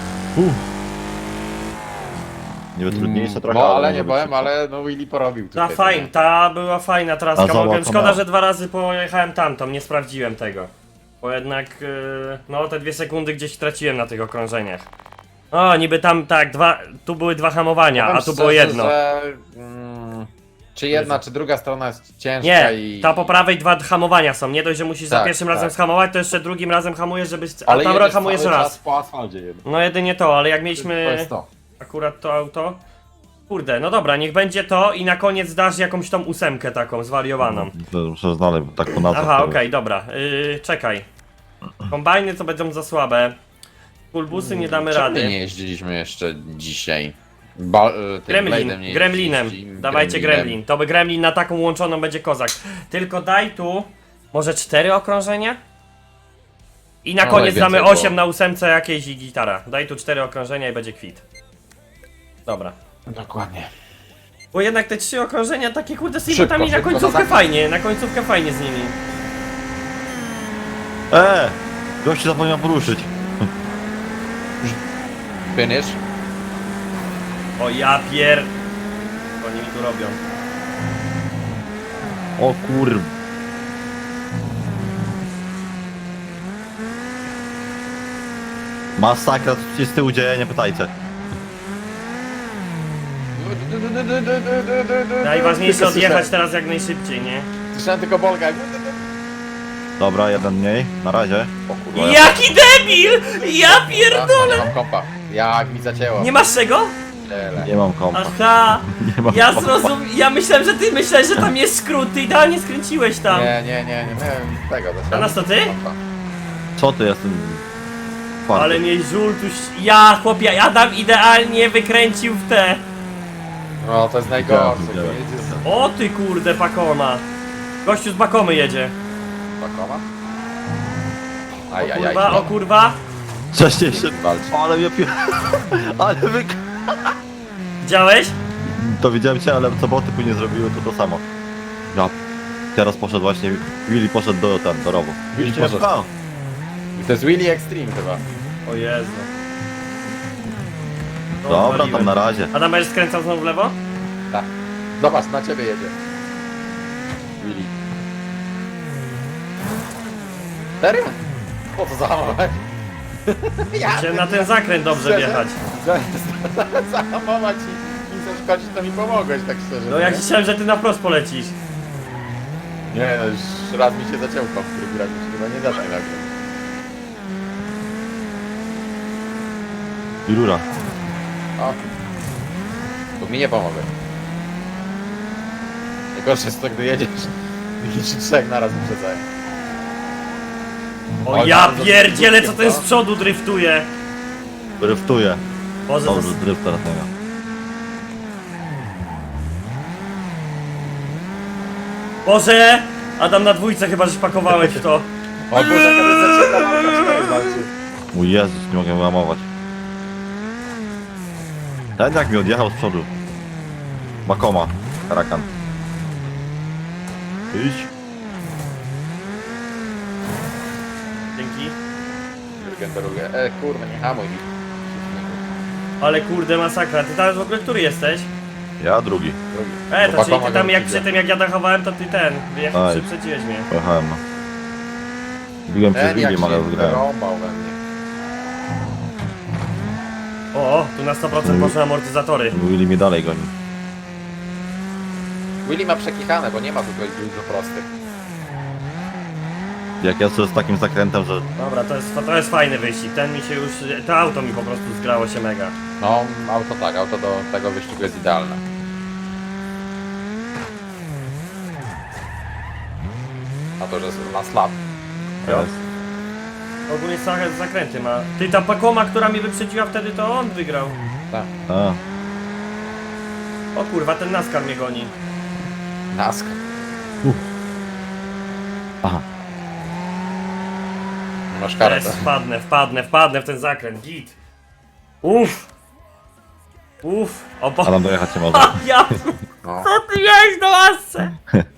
[SPEAKER 2] Niby trudniejsze trochę.
[SPEAKER 3] No ale
[SPEAKER 2] może
[SPEAKER 3] nie
[SPEAKER 2] być
[SPEAKER 3] powiem,
[SPEAKER 2] szybsze.
[SPEAKER 3] ale no Willy porobił tutaj.
[SPEAKER 1] Ta była fajna traska,
[SPEAKER 2] A zobacz,
[SPEAKER 1] mogłem,
[SPEAKER 2] to
[SPEAKER 1] szkoda,
[SPEAKER 2] miał.
[SPEAKER 1] że 2 razy pojechałem tamtą, nie sprawdziłem tego. Bo jednak, no te 2 sekundy gdzieś traciłem na tych okrążeniach. O, niby tam, tak, tu były 2 hamowania,
[SPEAKER 3] Powiem
[SPEAKER 1] a tu
[SPEAKER 3] szczerze,
[SPEAKER 1] było jedno.
[SPEAKER 3] Że, czy jedna, czy druga strona jest ciężka
[SPEAKER 1] Nie,
[SPEAKER 3] i...
[SPEAKER 1] ta po prawej 2 hamowania są, nie dość, że musisz za
[SPEAKER 3] Tak,
[SPEAKER 1] pierwszym
[SPEAKER 3] tak.
[SPEAKER 1] razem schamować, to jeszcze drugim razem hamujesz, żebyś, a
[SPEAKER 3] Ale
[SPEAKER 1] tam
[SPEAKER 3] jedziesz
[SPEAKER 1] hamujesz
[SPEAKER 3] cały
[SPEAKER 1] raz.
[SPEAKER 3] czas po asfalcie jedno.
[SPEAKER 1] No jedynie to, ale jak
[SPEAKER 3] To
[SPEAKER 1] mieliśmy
[SPEAKER 3] jest to.
[SPEAKER 1] akurat to auto... Kurde, no dobra, niech będzie to i na koniec dasz jakąś tą 8 taką, zwariowaną.
[SPEAKER 2] To muszę znaleźć, bo tak po nazwach.
[SPEAKER 1] Aha,
[SPEAKER 2] to
[SPEAKER 1] okej, dobra, czekaj. Kombajny to będą za słabe. Pulbusy nie damy
[SPEAKER 3] Czemu my
[SPEAKER 1] rady.
[SPEAKER 3] nie jeździliśmy jeszcze dzisiaj? Tym Blade'em nie
[SPEAKER 1] Gremlinem.
[SPEAKER 3] jeździliśmy,
[SPEAKER 1] Dawajcie Gremlin. To by Gremlin na taką łączoną będzie kozak. Tylko daj tu może 4 okrążenia? I na
[SPEAKER 3] No,
[SPEAKER 1] koniec damy
[SPEAKER 3] najwięcej
[SPEAKER 1] 8
[SPEAKER 3] było.
[SPEAKER 1] na 8 jakieś i gitara. Daj tu 4 okrążenia i będzie kwit. Dobra.
[SPEAKER 3] Dokładnie.
[SPEAKER 1] Bo jednak te 3 okrążenia takie kurde z
[SPEAKER 3] Szybko,
[SPEAKER 1] inputami na
[SPEAKER 3] szybko,
[SPEAKER 1] końcówkę
[SPEAKER 3] no tak.
[SPEAKER 1] fajnie, na końcówkę fajnie z nimi.
[SPEAKER 2] Gościu zapomniał poruszyć.
[SPEAKER 3] Finish.
[SPEAKER 1] O ja pier... Co oni mi tu robią?
[SPEAKER 2] O kur... Masakra, co się z tyłu dzieje, nie pytajcie.
[SPEAKER 1] Najważniejsze
[SPEAKER 3] Tylko
[SPEAKER 1] odjechać
[SPEAKER 3] słyszałem.
[SPEAKER 1] teraz jak najszybciej, nie?
[SPEAKER 3] Słyszałem tylko Bolga.
[SPEAKER 2] Dobra, jeden mniej, na razie.
[SPEAKER 3] O kurwa.
[SPEAKER 1] Jaki debil! Ja
[SPEAKER 3] Nie
[SPEAKER 1] pierdolę!
[SPEAKER 3] mam kompa. Jak mi zacięło.
[SPEAKER 1] Nie masz czego?
[SPEAKER 3] Tyle.
[SPEAKER 2] Nie mam kompa.
[SPEAKER 1] Aha!
[SPEAKER 2] Nie mam
[SPEAKER 1] Ja
[SPEAKER 2] kompa.
[SPEAKER 1] ja myślałem, że ty myślałeś, że tam jest skrót, ty idealnie skręciłeś tam.
[SPEAKER 3] Nie miałem tego.
[SPEAKER 1] A nas to ty?
[SPEAKER 2] Co ty jestem? Twardy.
[SPEAKER 1] Ale mnie żultuś... Ja, chłopie, Adam idealnie wykręcił w te...
[SPEAKER 3] No to jest najgorsze.
[SPEAKER 2] Widziałem.
[SPEAKER 3] Jedzie z
[SPEAKER 1] O ty kurde, Pakoma. Gościu z Bakomy jedzie.
[SPEAKER 3] Pakoma?
[SPEAKER 1] O
[SPEAKER 3] Ajajaj.
[SPEAKER 1] kurwa, o kurwa.
[SPEAKER 2] Wcześniej się...
[SPEAKER 3] Walcz.
[SPEAKER 2] Ale mnie pi... Ale wy...
[SPEAKER 1] Widziałeś?
[SPEAKER 2] To widziałem cię, ale co boty później zrobiły to samo. Ja... Teraz poszedł właśnie... Willy poszedł do rowu.
[SPEAKER 3] Willy
[SPEAKER 2] Cię
[SPEAKER 3] poszedł.
[SPEAKER 2] pchał.
[SPEAKER 3] To jest Willy Extreme chyba.
[SPEAKER 1] O Jezu. No,
[SPEAKER 2] Dobra,
[SPEAKER 1] waliłem.
[SPEAKER 2] tam na razie.
[SPEAKER 1] Adam, będziesz skręcał znowu w lewo?
[SPEAKER 3] Tak. Zobacz, na ciebie jedzie. Willy. Serio? Po co zahamować?
[SPEAKER 1] Chciałem na ten zakręt dobrze wjechać.
[SPEAKER 3] Zahamować i zaszkodzić, to mi pomogłeś, tak szczerze.
[SPEAKER 1] No
[SPEAKER 3] nie?
[SPEAKER 1] jak chciałem, że ty na wprost polecisz.
[SPEAKER 3] Nie, no już raz mi się zacięło w drugi raz mi się chyba nie da tak nagle.
[SPEAKER 2] I rura.
[SPEAKER 3] O. Tu mi nie pomogę. Najgorsze jest to, gdy jedziesz i ci trzech naraz wyprzedzają.
[SPEAKER 1] O
[SPEAKER 3] Oj,
[SPEAKER 1] ja
[SPEAKER 3] bardzo
[SPEAKER 1] pierdzielę, co
[SPEAKER 3] krótkie,
[SPEAKER 1] ten
[SPEAKER 3] co?
[SPEAKER 1] z przodu driftuje.
[SPEAKER 2] Dryftuje.
[SPEAKER 1] Boże, to
[SPEAKER 2] Dobrze,
[SPEAKER 1] jest...
[SPEAKER 2] dryft teraz nie miał.
[SPEAKER 1] Boże! Adam na dwójce chyba, że pakowałeś w to.
[SPEAKER 3] O Boże, jaka to jest zaczyna walka, walczy.
[SPEAKER 2] Mój Jezus, nie mogę wyłamować. Ten jak mi odjechał z przodu. Bakoma. Karakan. Idź.
[SPEAKER 1] Dzięki.
[SPEAKER 3] Jurgen Beruge. Kurwa, nie hamuj mi.
[SPEAKER 1] Ale kurde, masakra. Ty teraz w ogóle który jesteś?
[SPEAKER 2] Ja drugi.
[SPEAKER 3] Drugi.
[SPEAKER 1] To
[SPEAKER 3] Bo
[SPEAKER 1] czyli ty
[SPEAKER 3] Bakoma
[SPEAKER 1] tam
[SPEAKER 3] go
[SPEAKER 1] jak
[SPEAKER 3] widzę.
[SPEAKER 1] przy tym jak ja dachowałem, to ty ten.
[SPEAKER 2] Aj.
[SPEAKER 1] Przyprzedziłeś mnie.
[SPEAKER 2] Pojechałem no. Biłem przez
[SPEAKER 3] Ten jak
[SPEAKER 2] William, ale
[SPEAKER 3] się
[SPEAKER 2] wygrałem.
[SPEAKER 3] wyrąbał we mnie.
[SPEAKER 1] O, tu na 100% poszły amortyzatory.
[SPEAKER 2] Willy mnie dalej goni.
[SPEAKER 3] Willy ma przekichane, bo nie ma tutaj dużo prostych.
[SPEAKER 2] Jak ja z takim zakrętem, że
[SPEAKER 1] Dobra, to jest fajny wyścig. Ten mi się już... To auto mi po prostu zgrało się mega.
[SPEAKER 3] No, auto tak, auto do tego wyścigu jest idealne. A to, że na slap.
[SPEAKER 2] jest.
[SPEAKER 1] Ogólnie zakręty ma. Ty, ta Pakoma, która mnie wyprzedziła wtedy, to on wygrał.
[SPEAKER 3] Tak.
[SPEAKER 2] A,
[SPEAKER 1] O kurwa, ten NASCAR mnie goni.
[SPEAKER 3] Nask.
[SPEAKER 2] aha.
[SPEAKER 3] Masz karę,
[SPEAKER 1] Jest, wpadnę w ten zakręt, git. Uff. O bo...
[SPEAKER 2] Adam dojechać nie może.
[SPEAKER 1] A, ja...
[SPEAKER 3] No.
[SPEAKER 1] Co ty miałeś do lasce?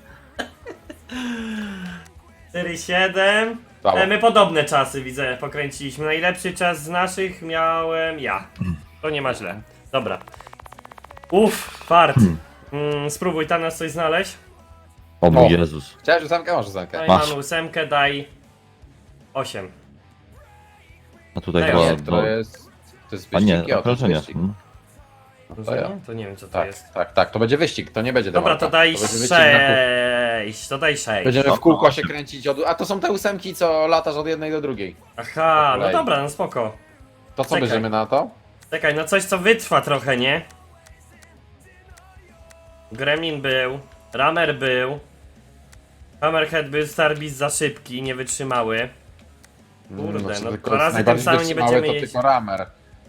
[SPEAKER 1] 4-7.
[SPEAKER 3] Brawo.
[SPEAKER 1] My podobne czasy widzę, pokręciliśmy. Najlepszy czas z naszych miałem ja. To nie ma źle. Dobra. Fart. Spróbuj tam nas coś znaleźć.
[SPEAKER 2] O mój
[SPEAKER 3] O.
[SPEAKER 2] Jezus.
[SPEAKER 3] Chciałeś ósemkę? Masz ósemkę.
[SPEAKER 1] Daj
[SPEAKER 2] Masz.
[SPEAKER 1] mamy 8, daj 8.
[SPEAKER 2] A tutaj
[SPEAKER 1] Daj,
[SPEAKER 2] była...
[SPEAKER 3] Nie, to jest... To jest
[SPEAKER 2] A nie,
[SPEAKER 3] wyścig, to jest
[SPEAKER 2] okrążenie.
[SPEAKER 3] wyścig.
[SPEAKER 2] Hmm.
[SPEAKER 3] ja.
[SPEAKER 1] To nie wiem co to
[SPEAKER 3] Tak,
[SPEAKER 1] jest.
[SPEAKER 3] tak, to będzie wyścig, to nie będzie
[SPEAKER 1] Dobra,
[SPEAKER 3] dewalka.
[SPEAKER 1] to daj
[SPEAKER 3] będzie wyścig na kół.
[SPEAKER 1] 6. To daj 6.
[SPEAKER 3] Będziemy w kółko się kręcić od... A to są te ósemki, co latasz od jednej do drugiej.
[SPEAKER 1] Aha,
[SPEAKER 3] po
[SPEAKER 1] no
[SPEAKER 3] kolei.
[SPEAKER 1] dobra, no spoko.
[SPEAKER 3] To co
[SPEAKER 1] Czekaj.
[SPEAKER 3] bierzemy na to?
[SPEAKER 1] Czekaj, no coś co wytrwa trochę, nie? Gremlin był, Rammer był, Hammerhead był, Starbeast za szybki, nie wytrzymały. Kurde,
[SPEAKER 3] Znaczy,
[SPEAKER 1] no
[SPEAKER 3] tylko
[SPEAKER 1] dwa razy tym
[SPEAKER 3] najbardziej
[SPEAKER 1] samym nie
[SPEAKER 3] wytrzymały
[SPEAKER 1] będziemy
[SPEAKER 3] to
[SPEAKER 1] jeździć.
[SPEAKER 3] tylko Ramer,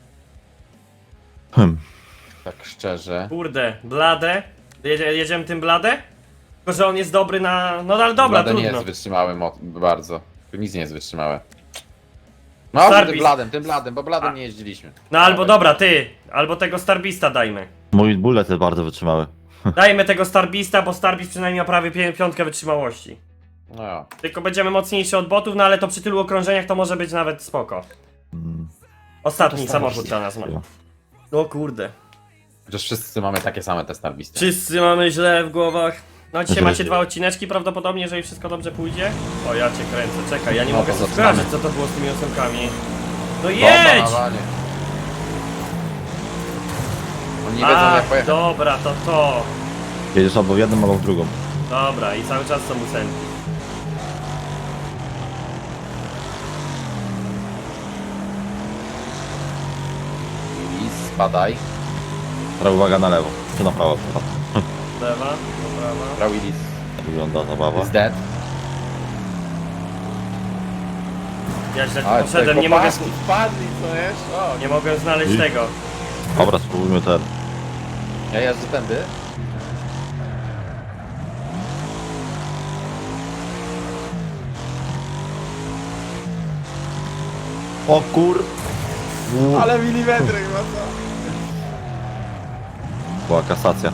[SPEAKER 2] Hmm.
[SPEAKER 3] tak szczerze.
[SPEAKER 1] Kurde, Bladę. Jedziemy tym Bladę? Tylko, że on jest dobry na... No ale dobra,
[SPEAKER 3] Bladen nie
[SPEAKER 1] trudno.
[SPEAKER 3] jest wytrzymały bardzo. Tu nic nie jest wytrzymałe. No może
[SPEAKER 1] Starbist.
[SPEAKER 3] tym Bladem, bo Bladem nie jeździliśmy.
[SPEAKER 1] No albo dobra, ty. Albo tego Starbista dajmy.
[SPEAKER 2] Mój bullet jest bardzo wytrzymały.
[SPEAKER 1] Dajmy tego Starbista, bo Starbist przynajmniej ma prawie piątkę wytrzymałości.
[SPEAKER 3] No ja.
[SPEAKER 1] Tylko będziemy mocniejsi od botów, no ale to przy tylu okrążeniach to może być nawet spoko.
[SPEAKER 2] Mm.
[SPEAKER 1] Ostatni
[SPEAKER 3] No to
[SPEAKER 1] samochód
[SPEAKER 3] Starbist.
[SPEAKER 1] dla nas ma. No kurde.
[SPEAKER 3] Chociaż wszyscy mamy takie same te Starbisty.
[SPEAKER 1] Wszyscy mamy źle w głowach. No dzisiaj
[SPEAKER 2] Źle.
[SPEAKER 1] macie 2 odcineczki prawdopodobnie, jeżeli wszystko dobrze pójdzie. O, ja cię kręcę, czekaj, ja nie
[SPEAKER 3] No
[SPEAKER 1] mogę
[SPEAKER 3] to
[SPEAKER 1] sobie
[SPEAKER 3] zaczynamy.
[SPEAKER 1] skojarzyć, co to było z tymi ósemkami. No
[SPEAKER 3] Bomba
[SPEAKER 1] jedź!
[SPEAKER 3] na wanie. Oni nie wiedzą jak pojechać.
[SPEAKER 1] dobra, to.
[SPEAKER 2] Jedziesz albo w jedną, albo w drugą.
[SPEAKER 1] Dobra, i cały czas są ósemki.
[SPEAKER 3] I spadaj.
[SPEAKER 2] Teraz uwaga na lewo. Czy na prawo?
[SPEAKER 1] Lewa, do prawa.
[SPEAKER 3] Rawilis
[SPEAKER 2] Tak wygląda zabawa.
[SPEAKER 3] is dead.
[SPEAKER 1] Ja źle tu
[SPEAKER 3] Ale
[SPEAKER 1] poszedłem, nie mogę,
[SPEAKER 3] Wpadli, co wiesz? O,
[SPEAKER 1] nie mogę znaleźć
[SPEAKER 2] I?
[SPEAKER 1] tego.
[SPEAKER 2] Dobra, spróbujmy ten.
[SPEAKER 3] ja jeżdżę tędy.
[SPEAKER 2] O kur...
[SPEAKER 3] Ale milimetry chyba co?
[SPEAKER 2] Była kasacja.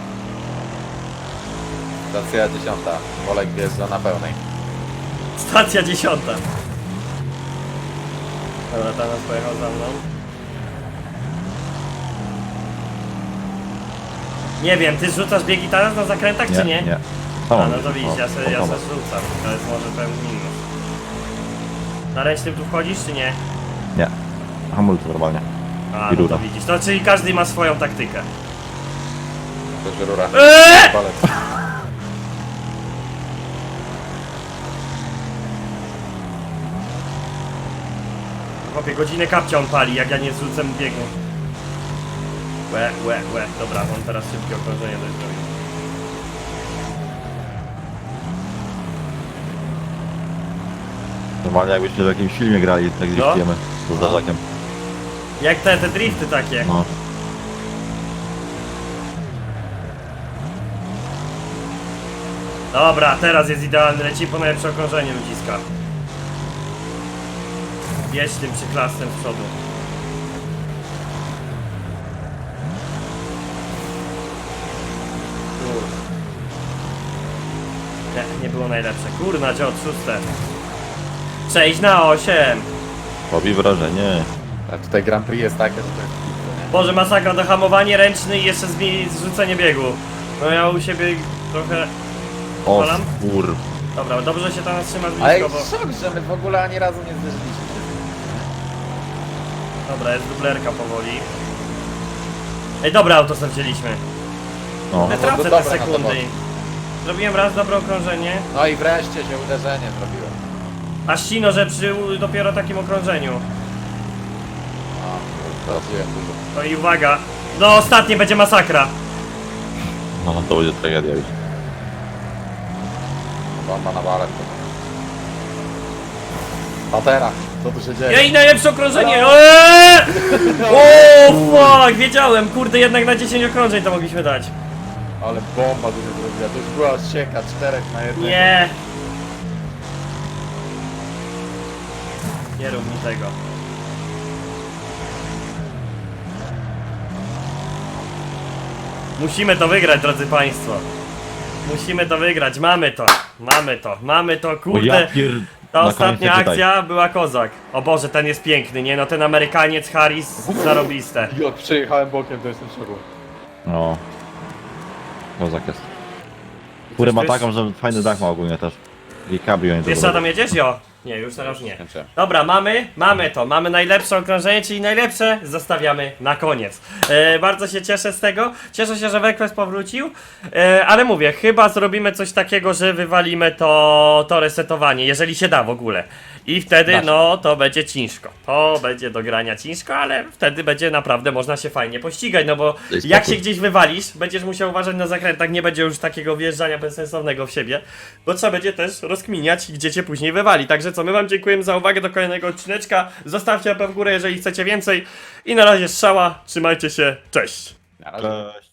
[SPEAKER 3] Stacja 10. Wolek wjeżdża na pełnej.
[SPEAKER 1] Stacja 10. Dobra, teraz pojechał za mną. Nie wiem, ty rzucasz biegi teraz na zakrętach, czy nie?
[SPEAKER 2] Nie.
[SPEAKER 1] A, no to widzisz, ja se
[SPEAKER 2] dobra.
[SPEAKER 1] rzucam. To jest może pewien minus. Na ręcznym tu wchodzisz, czy nie?
[SPEAKER 2] Nie. Hamulce normalnie.
[SPEAKER 1] A,
[SPEAKER 2] I
[SPEAKER 1] no
[SPEAKER 2] rura.
[SPEAKER 1] to widzisz. To czyli każdy ma swoją taktykę.
[SPEAKER 3] To jest rura. Palec.
[SPEAKER 1] Chłopie, godzinę kapcia on pali, jak ja nie zrzucę biegu. Łe. Dobra, on teraz szybkie okrążenie dość zrobił.
[SPEAKER 2] Normalnie jakbyśmy w jakimś filmie grali, tak driftujemy. Z zdarzakiem.
[SPEAKER 1] Jak te drifty takie.
[SPEAKER 2] No.
[SPEAKER 1] Dobra, teraz jest idealny, leci po najlepsze okrążenie ludziska. Jedź tym przyklasem z przodu. Nie było najlepsze. Kurna, dziot, 6. 6 na 8.
[SPEAKER 2] Robi wrażenie.
[SPEAKER 3] A tutaj Grand Prix jest takie, że to jest pizza, nie?
[SPEAKER 1] Boże, masakra, dohamowanie ręczny i jeszcze zrzucenie biegu. No ja u siebie trochę...
[SPEAKER 2] O
[SPEAKER 1] Polam?
[SPEAKER 2] kur...
[SPEAKER 1] Dobra, dobrze się tam trzymasz
[SPEAKER 3] Ale
[SPEAKER 1] blisko, bo...
[SPEAKER 3] szok, że my w ogóle ani razu nie zderzyliśmy się.
[SPEAKER 1] Dobra, jest dublerka powoli. Ej, dobre auto sobie wzięliśmy.
[SPEAKER 2] No.
[SPEAKER 1] Nie
[SPEAKER 3] to
[SPEAKER 1] tracę te
[SPEAKER 3] dobre na to
[SPEAKER 1] sekundy.
[SPEAKER 3] było.
[SPEAKER 1] Zrobiłem raz dobre okrążenie.
[SPEAKER 3] No i wreszcie się uderzenie zrobiło.
[SPEAKER 1] A ścino, że przy dopiero takim okrążeniu.
[SPEAKER 3] O, traciłem dużo.
[SPEAKER 1] No i uwaga. No ostatnie będzie masakra.
[SPEAKER 2] No to będzie tragedia już.
[SPEAKER 3] Bomba na balet. Patera, co tu się dzieje?
[SPEAKER 1] Jej, najlepsze okrążenie! O, fuck, wiedziałem, kurde, jednak na 10 okrążeń to mogliśmy dać.
[SPEAKER 3] Ale bomba tu się zrobiła, to już była sieka 4 na 1.
[SPEAKER 1] Nie. Nie rób mi tego. Musimy to wygrać, drodzy państwo. Musimy to wygrać, mamy to,
[SPEAKER 2] O ja
[SPEAKER 1] kurde.
[SPEAKER 2] pier...
[SPEAKER 1] Ta
[SPEAKER 2] Na
[SPEAKER 1] ostatnia
[SPEAKER 2] koniec nie czytaj.
[SPEAKER 1] akcja była kozak. O Boże, ten jest piękny, nie no, ten Amerykaniec Harris, zarobiste.
[SPEAKER 3] Jak przyjechałem bokiem, to jestem w szoku.
[SPEAKER 2] No. Kozak jest. Kurę ma
[SPEAKER 1] Coś tu
[SPEAKER 2] taką, że fajny dach ma ogólnie też. I cabrio nie
[SPEAKER 1] Wiesz co tam jedziesz? Jo. Nie, już teraz nie.
[SPEAKER 3] Skończyłem.
[SPEAKER 1] Dobra, mamy najlepsze okrążenie, czyli najlepsze zostawiamy na koniec. Bardzo się cieszę z tego, cieszę się, że Wrequest powrócił, ale mówię, chyba zrobimy coś takiego, że wywalimy to resetowanie, jeżeli się da w ogóle. I wtedy,
[SPEAKER 3] Da się.
[SPEAKER 1] no, to będzie ciężko. To będzie do grania ciężko, ale wtedy będzie naprawdę można się fajnie pościgać, no bo
[SPEAKER 2] Daj
[SPEAKER 1] jak
[SPEAKER 2] spokój.
[SPEAKER 1] się gdzieś wywalisz, będziesz musiał uważać na zakrętach, nie będzie już takiego wjeżdżania bezsensownego w siebie, bo trzeba będzie też rozkminiać, gdzie cię później wywali. Także co, my wam dziękujemy za uwagę do kolejnego odcineczka, zostawcie łapę w górę, jeżeli chcecie więcej i na razie strzała, trzymajcie się, cześć!
[SPEAKER 3] Na razie.
[SPEAKER 2] Cześć.